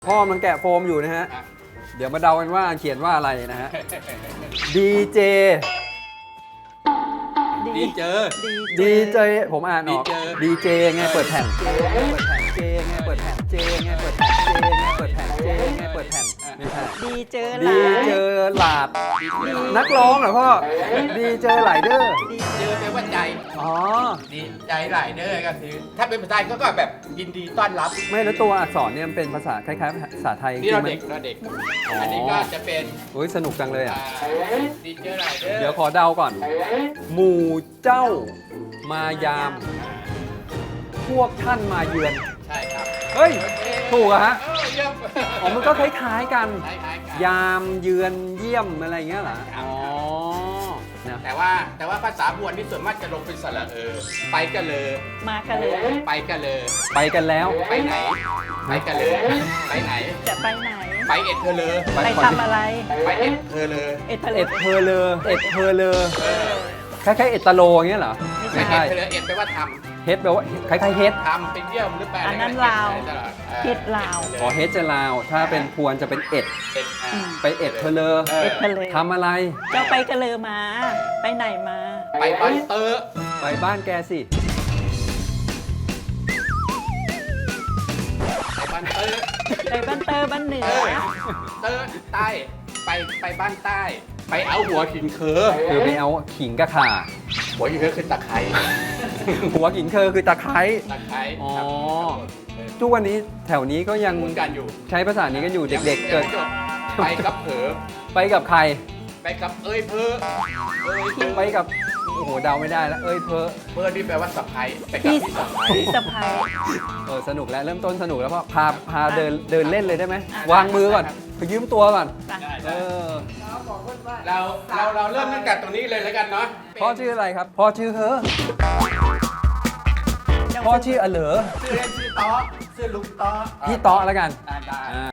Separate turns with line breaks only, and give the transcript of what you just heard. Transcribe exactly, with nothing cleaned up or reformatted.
พ่อมันแกะโฟมอยู่นะฮะ เดี๋ยวมาเดากันว่าเขียนว่าอะไรนะฮะ ดี เจ
ดีเจอ
ดี เจ ผมอ่านออก ดี เจ ไงเปิดแผ่น เจ ไงเปิดแผ่น เจ ไงเปิดแผ่น เจ ไงเปิดแผ่น เจ ไงเปิดแผ่นไม่ใช่
ดีเจอห
ดี
ลาย
เจอหลาด นักร้องเหรอพ่อ ดีเจอหลายเด้อ
เจอแปลว่าใจ
อ๋อ
ดีใจหลายเด้อก็คือถ้าเป็นภาษาไทยก็แบบยินดีต้อนรับ
ไม่แล้วตัวอักษรเนี่ยมันเป็นภาษาคล้ายๆภาษาไทย
นี่เรา
จ
เด็
ง
ก
ๆมัน
เราเด็ก
อ๋ออั
อันนี้ก็จะเป็น
โอ้ยสนุกจังเลยอ่ะ
อ่าดีเจอหลายเด้อ
เดี๋ยวขอเดาก่อน หมู่เจ้า มายาม พวกท่านมาเยือน
ใช่ครับ
เฮ้ย
โอเค
ถูกอะฮะ
เออเยี่ยม
อ๋อ มันก็คล้ายๆกัน
คล้ายๆกัน
ยามเยือนเยี่ยมอะไรอย่างเงี้ยเหรอ อ๋อนะ
แต่ว่าแต่ว่าภาษาบวนที่ส่วนมากจะลงเป็นสระเออ ไปกันเลย
มากันเลย
ไปกันเลย
ไปกันแล้ว
ไปไหน ไปกันเลย ไปไหน
จะไปไหน
ไปเอ็ดเธอเลย
ไปทำอะไร
ไปเอ็ดเธอเลย
เอ็ดเพล
เอ็ดเพอเลอเอ็ดเพอเลอ
เออ
คล้ายๆเอ็ดตะโลอย่างเงี้ยเหรอ
ไป
ไม่
เอ็
ใช่
ดเธอเลยเอ็ดแปลว่าท
เฮดแปลว่าคล้ายๆเฮด
ำทำเป็นเยี่ยมหรือแปล
อันนั้น
อะไร
ลาว
ตลอดออ
เฮ็ดลาว
อ๋อเฮดจะลาว ถ้าเป็นพวนจะเป็นเอ็ด
เอ็ดอ่า
ไปเอ็ดเพอเลอ
เออ
เอ็ดเพล
ทำอะไร
เจ้าไปกันเลยมา ไปไหนมา
ไปบ้านเตอร์
ไปบ้านแกสิ
ไปบ้านเตอร์
ไปบ้านเตอร์บ้านเหนื
เอ
อ
อเตอร์ใต้ไปไปบ้านใต้ ไปเอาหัวหินเคอ
คือไปเอาขิงกระข่า
หัวหินเคอคือตะไคร้
หัวขิงเคอคือตะไคร้
ตะไคร้
อ๋อ
ครับเออ
ทุกวันนี้แถวนี้ก็ยัง
พูดกันอยู่
ใช้ภาษานี้กันอยู่เด็กๆ เกิด
ไปกับเผลอ
ไปกับใคร
ไปกับเอ้ยเพอเอ้ยเพอ
ไปกับ โอ้โห เดาไม่ได้แล้ว เอ้ยเพอ
เพอนี่แปลว่าสะพายไปกับ
พี่
พี่สะพาย
พี่สะพาย
เออ สนุกแล้ว เริ่มต้นสนุกแล้วพ่อพาพาเดินเดินเล่นเลยได้ไหม
อ่ะ
วางมือก่อนไปยืมตัวก่อน
ไป
ได้
เอ
ได้
อ
เราเราเราเริ่มตั้งแต่ตรงนี้เลยแล้วกันเนาะ
พ่อชื่ออะไรครับ พ่อชื่อเฮอพ่อชื่ออเหลอ
ชื่อเล่นชื่อต๊อชื่อลุงต๊อ
พี่เตาะแล้วกัน
ได้ได้
อ่า